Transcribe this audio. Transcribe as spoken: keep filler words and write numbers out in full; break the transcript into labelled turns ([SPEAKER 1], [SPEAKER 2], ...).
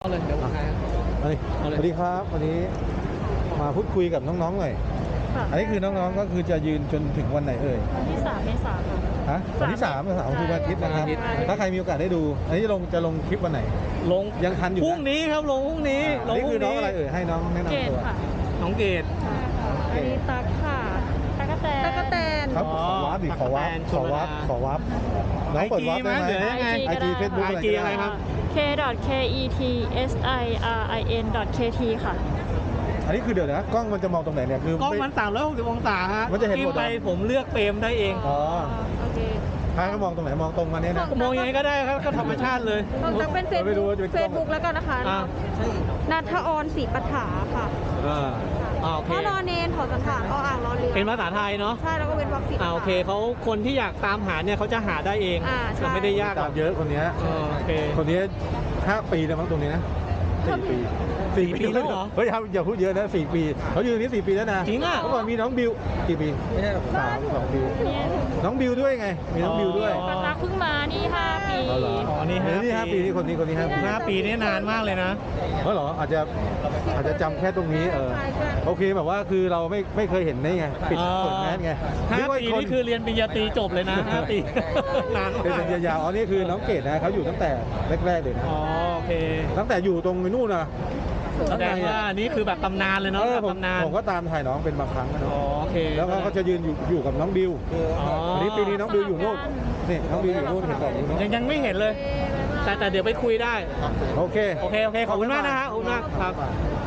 [SPEAKER 1] เอาเลยเดี๋ยวผมถ่ายครับ
[SPEAKER 2] สวัสดีครับวันนี้มาพูดคุยกับน้องๆหน่อย
[SPEAKER 3] ค่ะ
[SPEAKER 2] อันนี้คือน้องๆก็คือจะยืนจนถึงวันไหนเอ่ย
[SPEAKER 3] วันที่สามเมษายนค่ะ
[SPEAKER 2] ฮะวันที่สามสามคือวันอาทิตย์นะครับ
[SPEAKER 3] วันอาทิตย์
[SPEAKER 2] ถ้าใครมีโอกาสได้ดู อันนี้ลงจะลงคลิปวันไหน
[SPEAKER 1] ลง
[SPEAKER 2] ยังทันอยู่
[SPEAKER 1] พรุ่ง
[SPEAKER 2] นะ
[SPEAKER 1] นี้ครับลงพรุ่งนี้ล
[SPEAKER 2] อัน
[SPEAKER 1] ง
[SPEAKER 2] นี้
[SPEAKER 1] พ
[SPEAKER 2] คื
[SPEAKER 1] รุ่
[SPEAKER 2] อง น้อง
[SPEAKER 1] นี้
[SPEAKER 2] อะไรเอ่ยให้น้องแนะ
[SPEAKER 3] เก
[SPEAKER 2] นำ
[SPEAKER 3] ต
[SPEAKER 2] ตัว
[SPEAKER 3] ค่ะ
[SPEAKER 1] น้องเกด
[SPEAKER 3] อันนี้ตักค่ะตักกะแตนตักกะแตน
[SPEAKER 2] ครับ
[SPEAKER 1] อ๋
[SPEAKER 2] ข
[SPEAKER 1] อ
[SPEAKER 2] อวับดิขอวับ
[SPEAKER 1] ตั๊ก
[SPEAKER 2] ขอ
[SPEAKER 1] แตน
[SPEAKER 2] วับ
[SPEAKER 1] ชลดา
[SPEAKER 2] ขอวับน้องเปิดวับได้ไหม
[SPEAKER 1] ไอจีมั้ยหรือยังไง
[SPEAKER 2] ไอจีเฟซบุ๊ก
[SPEAKER 1] ไอ
[SPEAKER 2] อะไร
[SPEAKER 1] จี
[SPEAKER 2] ก็
[SPEAKER 1] อะไร
[SPEAKER 2] ได้
[SPEAKER 1] ครับ
[SPEAKER 3] k k e t s i r i n k t ค่ะ
[SPEAKER 2] อันนี้คือเดี๋ยวนะกล้องมันจะมองตรงไหนเนี่ยคือก
[SPEAKER 1] ล้อง
[SPEAKER 2] ไม่
[SPEAKER 1] มันสามร้อยหกสิบองศาฮะ
[SPEAKER 2] มันจะเห็นหมด
[SPEAKER 1] จิ้ไป
[SPEAKER 2] เหรอ
[SPEAKER 1] ผมเลือกเฟรมได้เอง
[SPEAKER 2] อ๋อ
[SPEAKER 3] โอเค
[SPEAKER 2] พาเขามองตรงไหนมองตรงมาเนี่ยนะ
[SPEAKER 1] มองยังไงก็ได้ครับก็ธรรมชาติเลย
[SPEAKER 3] ของตักเป็นเฟซ
[SPEAKER 2] ไม่รู้
[SPEAKER 3] บุ๊ก
[SPEAKER 2] ว่าจะเป็นก
[SPEAKER 3] เฟ
[SPEAKER 2] ล้อง
[SPEAKER 3] ซบุ๊กแล้วกันนะคะ
[SPEAKER 1] อ่า
[SPEAKER 3] นัทออนศรีปัฏฐาค่ะ
[SPEAKER 2] อ่า
[SPEAKER 1] อ่าโอเค
[SPEAKER 3] พ่อนอนเนนถอดสันฐานออ่างรอเรือ
[SPEAKER 1] เป็นภาษาไทยเนาะ
[SPEAKER 3] ใช่แล้วก็เป็นวัคซีน
[SPEAKER 1] อ่าโอเคเขาคนที่อยากตามหาเนี่ยเขาจะหาได้เอง
[SPEAKER 3] อ่าใช่
[SPEAKER 1] มันไม่ได้ยากหร
[SPEAKER 2] ตา
[SPEAKER 1] อก
[SPEAKER 2] มเยอะคนเนี้ย
[SPEAKER 1] เออโอเค
[SPEAKER 2] คนนี้ห้าปีแล้วมั้งตรงนี้นะสี่ปีสี่
[SPEAKER 1] ปีแล้วเหรอ
[SPEAKER 2] เฮ้ยครับอย่าพูดเยอะนะสี่ปีเขาอยู่ตรงนี้สี่ปีแล้วนะ
[SPEAKER 1] จริงอ่ะ
[SPEAKER 2] เมื่อก่อนมีน้องบิวกี่ปีไม่ใช่สามสองบิว
[SPEAKER 3] เนี่ย
[SPEAKER 2] น้องบิวด้วยไง มีน้องบิวด้วย
[SPEAKER 1] อ๋อ
[SPEAKER 3] ก็ตักเพิ่งมานี่ห้าปี
[SPEAKER 2] อ๋อเหรอ
[SPEAKER 1] อ๋อนี่ห้า
[SPEAKER 2] นี่ห้า
[SPEAKER 1] ปี
[SPEAKER 2] ปีนี่คนนี้คนนี้ห้าปี
[SPEAKER 1] ห้าปีนี่นานมากเลยนะ
[SPEAKER 2] เออเหรออาจจะอาจจะจำแค่ตรงนี้เออ
[SPEAKER 3] ใช่ใช่
[SPEAKER 2] โอเคแบบว่าคือเราไม่ไม่เคยเห็นนี่ไงปิด
[SPEAKER 1] อ๋อ
[SPEAKER 2] เปิดแมสไง
[SPEAKER 1] ห้า
[SPEAKER 2] นึกว่
[SPEAKER 1] ปี
[SPEAKER 2] คน
[SPEAKER 1] นี่คือเรียนปริญญาตรีจบเลยนะห้าปี นาน
[SPEAKER 2] เป็น
[SPEAKER 1] มาก
[SPEAKER 2] สัญญายาวอ๋อนี่คือน้องเกดนะเขาอยู่ตั้งแต่แรกๆเลยนะ
[SPEAKER 1] อ๋อโอเค
[SPEAKER 2] ตั้งแต่อยู่ตรงนู่นนะ
[SPEAKER 1] แสดงว่านี่คือแบบตำนานเลยเนาะ
[SPEAKER 2] เออ
[SPEAKER 1] แบบ
[SPEAKER 2] ผม
[SPEAKER 1] ตำนาน
[SPEAKER 2] ผมก็ตามถ่ายน้องเป็นบางครั้งนะ
[SPEAKER 1] อ๋อโอเค
[SPEAKER 2] แล้วเขาก็จะยืนอยู่อยู่กับน้องบิว
[SPEAKER 1] อ๋อ
[SPEAKER 2] อันนี้ปีนี้น้องบิวอยู่นู่นนี่น้องบิวอยู่นู่นเห็นบอกอยู่นู่น
[SPEAKER 1] ยังยังไม่เห็นเลย แต่แต่เดี๋ยวไปคุยได้
[SPEAKER 2] โอเค
[SPEAKER 1] โอเคโอเคขอบคุณมากนะฮะขอบคุณมากครับ